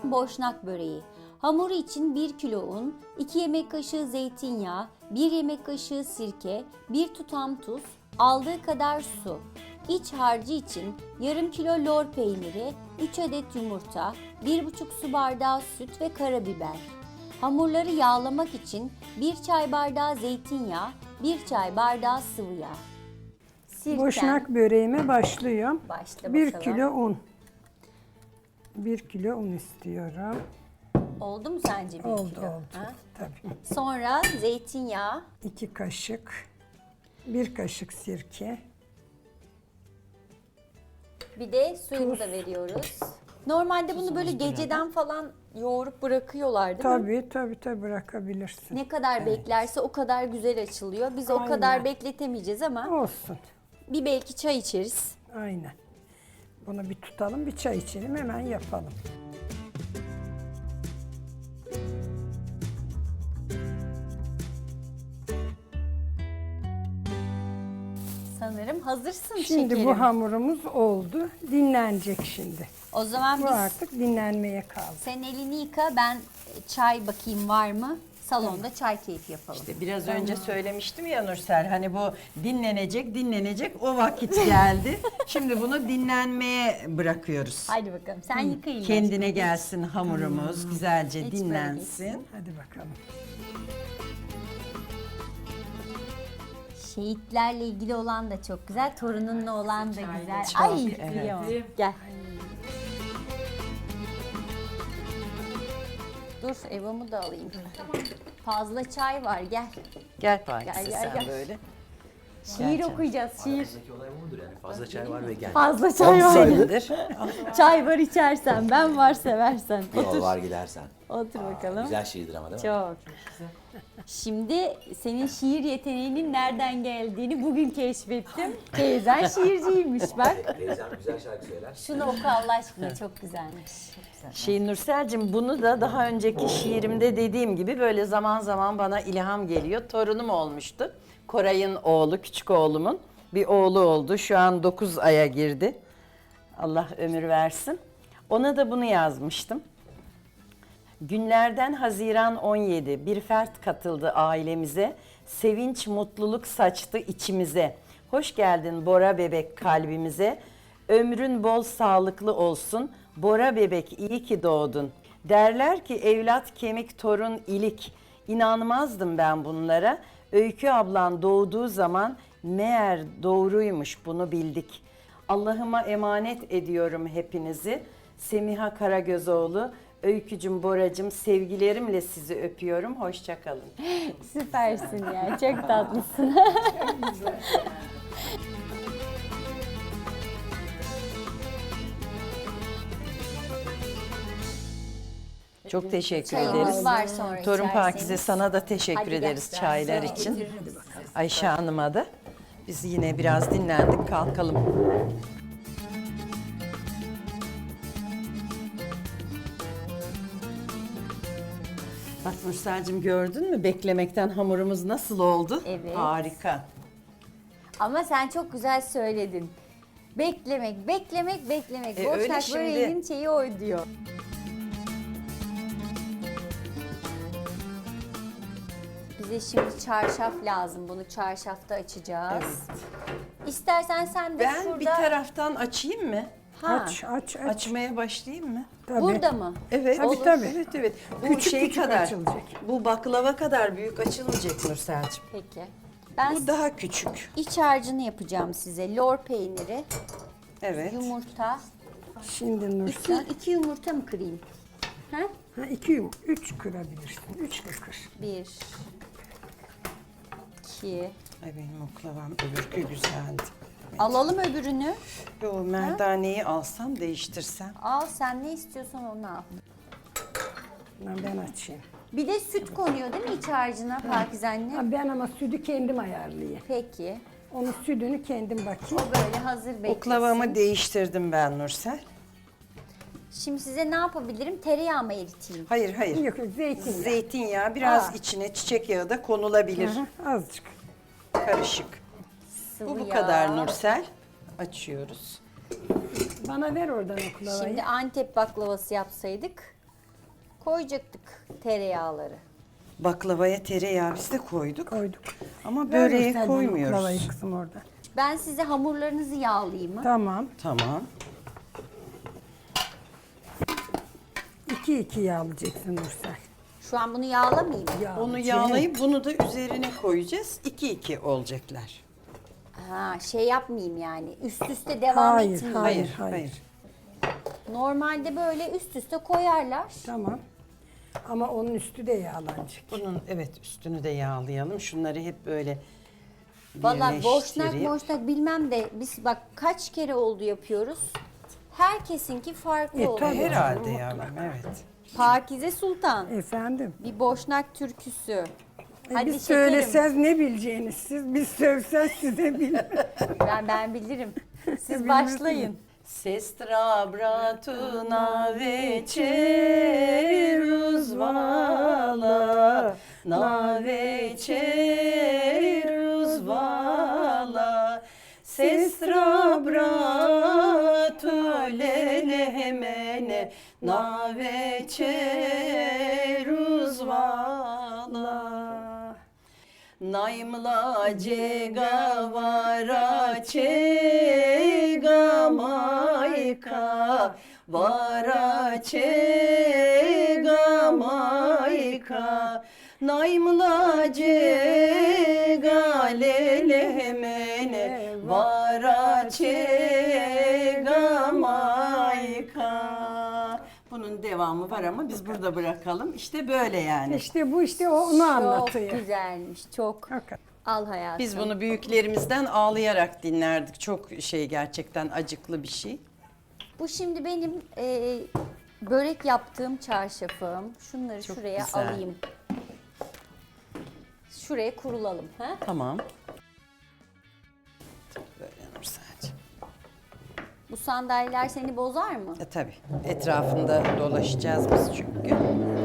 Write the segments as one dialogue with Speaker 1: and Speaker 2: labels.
Speaker 1: boşnak böreği. Hamuru için 1 kilo un, 2 yemek kaşığı zeytinyağı, 1 yemek kaşığı sirke, 1 tutam tuz, aldığı kadar su. İç harcı için yarım kilo lor peyniri, 3 adet yumurta, 1,5 su bardağı süt ve karabiber. Hamurları yağlamak için 1 çay bardağı zeytinyağı, 1 çay bardağı sıvı yağ. Sirken,
Speaker 2: Boşnak böreğime başlıyorum.
Speaker 1: Başla
Speaker 2: 1
Speaker 1: bakalım.
Speaker 2: kilo un. 1 kilo un istiyorum.
Speaker 1: Oldu mu sence 1
Speaker 2: Oldu
Speaker 1: kilo?
Speaker 2: oldu.
Speaker 1: Ha?
Speaker 2: Tabii.
Speaker 1: Sonra zeytinyağı,
Speaker 2: 2 kaşık. 1 kaşık sirke.
Speaker 1: bir de suyunu da veriyoruz. Normalde bunu böyle geceden falan yoğurup bırakıyorlar değil mi?
Speaker 2: Tabii bırakabilirsin.
Speaker 1: Ne kadar beklerse o kadar güzel açılıyor. Biz o
Speaker 2: Aynen.
Speaker 1: kadar bekletemeyeceğiz ama
Speaker 2: Olsun.
Speaker 1: bir belki çay içeriz.
Speaker 2: Aynen. Bunu bir tutalım, bir çay içelim, hemen yapalım.
Speaker 1: Sanırım hazırsın
Speaker 2: Şimdi
Speaker 1: şekerim.
Speaker 2: bu hamurumuz oldu. Dinlenecek şimdi.
Speaker 1: O zaman
Speaker 2: Bu
Speaker 1: biz
Speaker 2: artık dinlenmeye kaldı.
Speaker 1: sen elini yıka, ben çay bakayım var mı? Salonda çay keyfi yapalım.
Speaker 3: İşte biraz önce söylemiştim ya Nursel, hani bu dinlenecek o vakit geldi. Şimdi bunu dinlenmeye bırakıyoruz.
Speaker 1: Haydi bakalım sen yıka elini.
Speaker 3: Kendine gelsin hamurumuz, güzelce
Speaker 1: Hiç böyle
Speaker 3: dinlensin.
Speaker 2: Hadi bakalım.
Speaker 1: Şehitlerle ilgili olan da çok güzel, torununla olan da güzel.
Speaker 3: Çok,
Speaker 1: Ay
Speaker 3: evet.
Speaker 1: kıyamam. Gel. Dur Eva'mı da alayım. Fazla çay var gel.
Speaker 3: Gel Pakize
Speaker 1: Gel,
Speaker 3: sen
Speaker 1: gel.
Speaker 3: böyle.
Speaker 1: Şiir okuyacağız şiir.
Speaker 4: Aramızdaki olay budur yani. Fazla çay var ve gel.
Speaker 1: Fazla çay var.
Speaker 3: Senindir.
Speaker 1: Çay var içersen, ben var seversen.
Speaker 4: Yol var gidersen.
Speaker 1: Otur bakalım.
Speaker 4: Güzel şiirdir ama değil mi?
Speaker 1: Çok. Şimdi senin şiir yeteneğinin nereden geldiğini bugün keşfettim. Teyzen şiirciymiş bak.
Speaker 4: Teyzem güzel şarkı söyler.
Speaker 1: Şunu oku Allah aşkına, çok güzelmiş.
Speaker 3: Nursel'cim, bunu da daha önceki şiirimde dediğim gibi böyle zaman zaman bana ilham geliyor. Torunum olmuştu. Koray'ın oğlu, küçük oğlumun bir oğlu oldu. Şu an 9 aya girdi. Allah ömür versin. Ona da bunu yazmıştım. Günlerden Haziran 17 bir fert katıldı ailemize. Sevinç, mutluluk saçtı içimize. Hoş geldin Bora bebek kalbimize. Ömrün bol sağlıklı olsun. Bora bebek iyi ki doğdun. Derler ki evlat kemik, torun ilik. İnanmazdım ben bunlara. Öykü ablan doğduğu zaman meğer doğruymuş, bunu bildik. Allah'ıma emanet ediyorum hepinizi. Semiha Karagözoğlu, Öykücüm, Boracım, sevgilerimle sizi öpüyorum. Hoşça kalın.
Speaker 1: Süpersin ya, çok tatlısın.
Speaker 3: Çok teşekkür
Speaker 1: Çayımız
Speaker 3: ederiz.
Speaker 1: var sonra
Speaker 3: Torun
Speaker 1: içerseniz.
Speaker 3: Pakize, sana da teşekkür
Speaker 1: Hadi gel.
Speaker 3: ederiz çaylar için. Ayşe Hanım'a da. Biz yine biraz dinlendik, kalkalım. Bak Nursel'cim, gördün mü beklemekten hamurumuz nasıl oldu?
Speaker 1: Evet.
Speaker 3: Harika.
Speaker 1: Ama sen çok güzel söyledin. Beklemek, beklemek, beklemek.
Speaker 3: Öyle
Speaker 1: Boşnak
Speaker 3: şimdi.
Speaker 1: böreğinin şeyi o diyor. Bize şimdi çarşaf lazım. Bunu çarşafta açacağız.
Speaker 3: Evet.
Speaker 1: İstersen sen de
Speaker 3: Ben
Speaker 1: şurada...
Speaker 3: bir taraftan açayım mı?
Speaker 1: Ha,
Speaker 2: Aç.
Speaker 3: Açmaya başlayayım mı?
Speaker 2: Tabii.
Speaker 1: burada mı?
Speaker 3: Evet.
Speaker 2: Tabii, tabii.
Speaker 3: Evet. Bu
Speaker 2: Küçük
Speaker 3: şey
Speaker 2: küçük
Speaker 3: kadar.
Speaker 2: açılacak.
Speaker 3: Bu baklava kadar büyük açılmayacak Nursel'cim.
Speaker 1: Peki. Ben
Speaker 3: Bu daha küçük.
Speaker 1: iç harcını yapacağım size. Lor peyniri,
Speaker 3: Evet.
Speaker 1: yumurta.
Speaker 2: Şimdi Nursel.
Speaker 1: İki yumurta mı kırayım? Ha?
Speaker 2: Ha, 3 kırabilirsin. 3 de kır.
Speaker 1: 1, 2.
Speaker 3: Ay benim oklavam öbürkü güzeldi.
Speaker 1: Alalım öbürünü.
Speaker 3: O merdaneyi alsam, değiştirsem.
Speaker 1: Al, sen ne istiyorsan onu al.
Speaker 2: Ben açayım.
Speaker 1: Bir de süt konuyor değil mi iç harcına Pakize anne?
Speaker 2: Ha, ben ama sütü kendim ayarlayayım.
Speaker 1: Peki.
Speaker 2: Onun sütünü kendim bakayım.
Speaker 1: O böyle hazır beklesin.
Speaker 3: Oklavamı değiştirdim ben Nursel.
Speaker 1: Şimdi size ne yapabilirim? Tereyağı mı eriteyim?
Speaker 3: Hayır.
Speaker 2: Yok zeytinyağı.
Speaker 3: Zeytinyağı, biraz
Speaker 1: Aa.
Speaker 3: içine çiçek yağı da konulabilir.
Speaker 2: Aha, azıcık.
Speaker 3: Karışık.
Speaker 1: Sıvı
Speaker 3: Bu
Speaker 1: yağ.
Speaker 3: kadar Nursel. Açıyoruz.
Speaker 2: Bana ver oradan oklavayı.
Speaker 1: Şimdi Antep baklavası yapsaydık. Koyacaktık tereyağları.
Speaker 3: Baklavaya tereyağı biz de koyduk.
Speaker 2: Koyduk.
Speaker 3: Ama
Speaker 2: Ver
Speaker 3: böreğe
Speaker 2: Nursel bana
Speaker 3: koymuyoruz.
Speaker 2: baklavayı kızım orada.
Speaker 1: Ben size hamurlarınızı yağlayayım mı?
Speaker 2: Tamam.
Speaker 3: Tamam.
Speaker 2: 2-2 yağlayacaksın Nursel.
Speaker 1: Şu an bunu yağlamayayım mı?
Speaker 3: Onu yağlayıp bunu da üzerine koyacağız. 2-2 olacaklar.
Speaker 1: Ha, şey yapmayayım yani. Üst üste devam
Speaker 2: Hayır,
Speaker 1: etmeyeyim.
Speaker 2: hayır.
Speaker 3: Hayır.
Speaker 1: Normalde böyle üst üste koyarlar.
Speaker 2: Tamam. Ama onun üstü de yağlanacak.
Speaker 3: Bunun evet üstünü de yağlayalım. Şunları hep böyle
Speaker 1: Valla boşnak
Speaker 3: birleştireyim.
Speaker 1: boşnak bilmem de biz bak kaç kere oldu yapıyoruz. Herkesinki farklı oldu.
Speaker 2: tabii.
Speaker 3: Herhalde yavrum evet.
Speaker 1: Pakize Sultan.
Speaker 2: Efendim.
Speaker 1: Bir boşnak türküsü. Hadi
Speaker 2: Biz
Speaker 1: şekerim.
Speaker 2: söylesez ne bileceğiniz siz, biz sövsez size bilmem.
Speaker 1: Ben bilirim. Siz başlayın.
Speaker 3: Sestra bratuna veçeruz vala na veçeruz vala Sestra bratu lelemene na veçeruz vala Naimla cega vara çega mayka Vara çega mayka Naimla cega lelemene Vara çega mayka Bunun devamı var ama biz burada bırakalım. İşte böyle yani.
Speaker 2: İşte bu işte onu anlatıyor.
Speaker 1: Çok güzelmiş. Çok.
Speaker 2: Hakikaten.
Speaker 1: Al hayatım.
Speaker 3: Biz bunu büyüklerimizden ağlayarak dinlerdik. Çok gerçekten acıklı bir şey.
Speaker 1: Bu şimdi benim börek yaptığım çarşafım. Şunları
Speaker 3: Çok
Speaker 1: şuraya
Speaker 3: güzel.
Speaker 1: alayım. Şuraya kurulalım. Ha?
Speaker 3: Tamam. Böyle Nursel'cim.
Speaker 1: Bu sandalyeler seni bozar mı?
Speaker 3: Tabii. Etrafında dolaşacağız biz çünkü.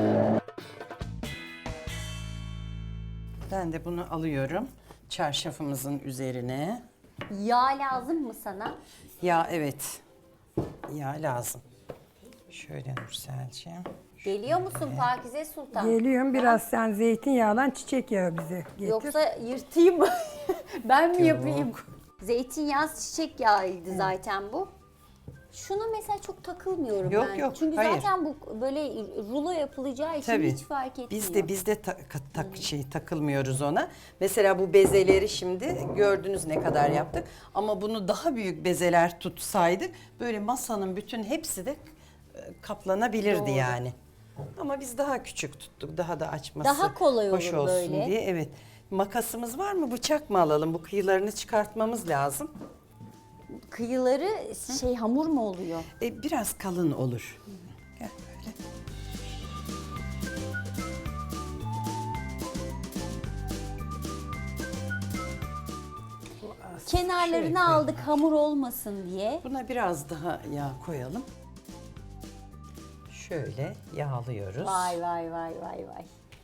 Speaker 3: Ben de bunu alıyorum. Çarşafımızın üzerine.
Speaker 1: Yağ lazım mı sana?
Speaker 3: Ya evet. Ya lazım. Şöyle Nursel'cim.
Speaker 1: Geliyor musun Pakize Sultan?
Speaker 2: Geliyorum biraz sen zeytinyağlan çiçek yağı bize getir.
Speaker 1: Yoksa yırtayım mı? Ben mi yapayım? Zeytinyağı çiçek yağıydı zaten bu. Şuna mesela çok takılmıyorum
Speaker 3: Yok,
Speaker 1: ben.
Speaker 3: yok,
Speaker 1: Çünkü
Speaker 3: hayır.
Speaker 1: zaten bu böyle rulo yapılacağı için
Speaker 3: Tabii.
Speaker 1: hiç fark etmiyor.
Speaker 3: Biz de takılmıyoruz ona. Mesela bu bezeleri şimdi gördünüz ne kadar yaptık. Ama bunu daha büyük bezeler tutsaydık böyle masanın bütün hepsi de kaplanabilirdi
Speaker 1: Doğru.
Speaker 3: yani. Ama biz daha küçük tuttuk. Daha da açması
Speaker 1: Daha kolay
Speaker 3: hoş
Speaker 1: olur
Speaker 3: olsun
Speaker 1: böyle.
Speaker 3: diye. Evet. Makasımız var mı? Bıçak mı alalım? Bu kıyılarını çıkartmamız lazım.
Speaker 1: Kıyıları şey hamur mu oluyor?
Speaker 3: Biraz kalın olur. Gel böyle.
Speaker 1: Kenarlarını aldık hamur olmasın diye.
Speaker 3: Buna biraz daha yağ koyalım. Şöyle yağlıyoruz.
Speaker 1: Vay vay vay vay vay.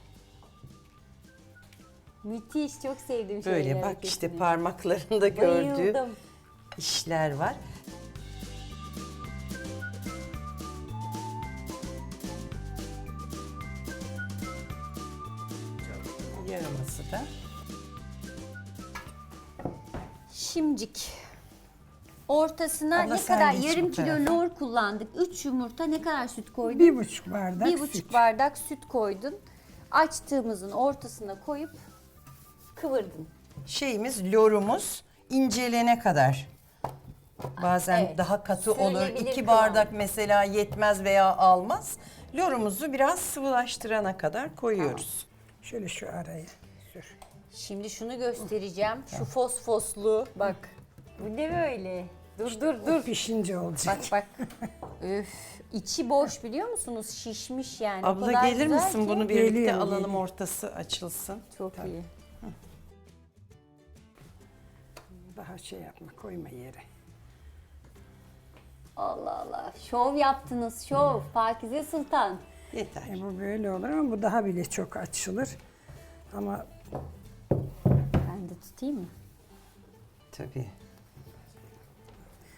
Speaker 1: Müthiş, çok sevdim şöyle
Speaker 3: Böyle bak
Speaker 1: hareketini.
Speaker 3: işte parmaklarında gördüğü
Speaker 1: Bayıldım.
Speaker 3: işler var. Yarıması da.
Speaker 1: Şimcik. Ortasına
Speaker 3: Abla
Speaker 1: ne
Speaker 3: sen
Speaker 1: kadar
Speaker 3: geç bu
Speaker 1: yarım kilo
Speaker 3: tarafa.
Speaker 1: lor kullandık. 3 yumurta ne kadar süt koydun?
Speaker 2: 1,5 bardak
Speaker 1: 1,5
Speaker 2: süt.
Speaker 1: bardak süt koydun. Açtığımızın ortasına koyup kıvırdın.
Speaker 3: Şeyimiz, lorumuz incelene kadar. Bazen
Speaker 1: Evet.
Speaker 3: daha katı olur.
Speaker 1: Sürülebilir
Speaker 3: 2
Speaker 1: kıvam.
Speaker 3: bardak mesela yetmez veya almaz. Lorumuzu biraz sıvılaştırana kadar koyuyoruz.
Speaker 2: Şöyle şu araya sür.
Speaker 1: Şimdi şunu göstereceğim. Şu fosfoslu bak. Bu ne böyle? Dur.
Speaker 2: Pişince olacak.
Speaker 1: Bak. Üf. İçi boş biliyor musunuz? Şişmiş yani. O
Speaker 3: Abla
Speaker 1: kadar
Speaker 3: gelir
Speaker 1: güzel
Speaker 3: misin?
Speaker 1: ki.
Speaker 3: Bunu birlikte
Speaker 2: Geliyorum,
Speaker 3: alalım,
Speaker 2: geliyorum.
Speaker 3: ortası açılsın.
Speaker 1: Çok iyi.
Speaker 2: Daha şey yapma, koyma yere.
Speaker 1: Allah Allah. Şov yaptınız, şov. Pakize Sultan.
Speaker 3: Yeter.
Speaker 2: Bu böyle olur ama bu daha bile çok açılır. Ama
Speaker 1: Ben de tutayım mı?
Speaker 3: Tabii.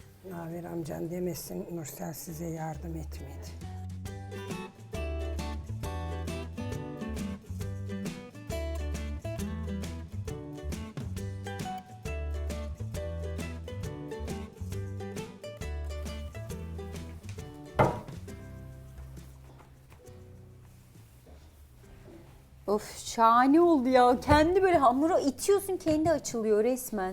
Speaker 2: Naver amcan demesin Nursel size yardım etmedi.
Speaker 1: Of şahane oldu ya. Kendi böyle hamura itiyorsun, kendi açılıyor resmen.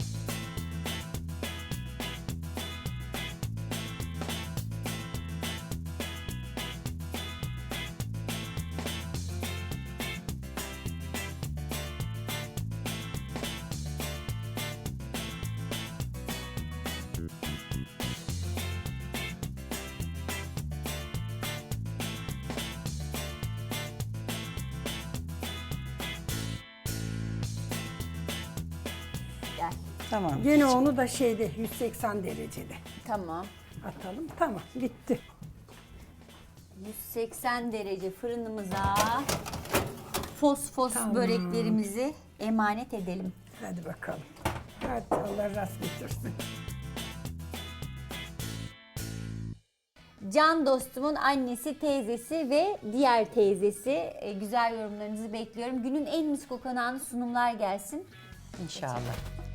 Speaker 1: Gel.
Speaker 3: Tamam.
Speaker 2: Gene onu da şeyde 180 derecede
Speaker 1: Tamam.
Speaker 2: atalım. Tamam, bitti.
Speaker 1: 180 derece fırınımıza fos
Speaker 2: Tamam.
Speaker 1: böreklerimizi emanet edelim.
Speaker 2: Hadi bakalım. Hadi Allah rast getirsin.
Speaker 1: Can dostumun annesi, teyzesi ve diğer teyzesi. Güzel yorumlarınızı bekliyorum. Günün en mis kokan sunumlar gelsin.
Speaker 3: İnşallah.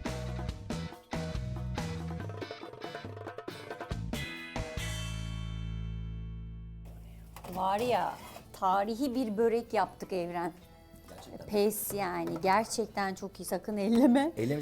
Speaker 1: Var ya, tarihi bir börek yaptık Evren. Pes yani. Gerçekten çok iyi. Sakın elleme.
Speaker 4: Elim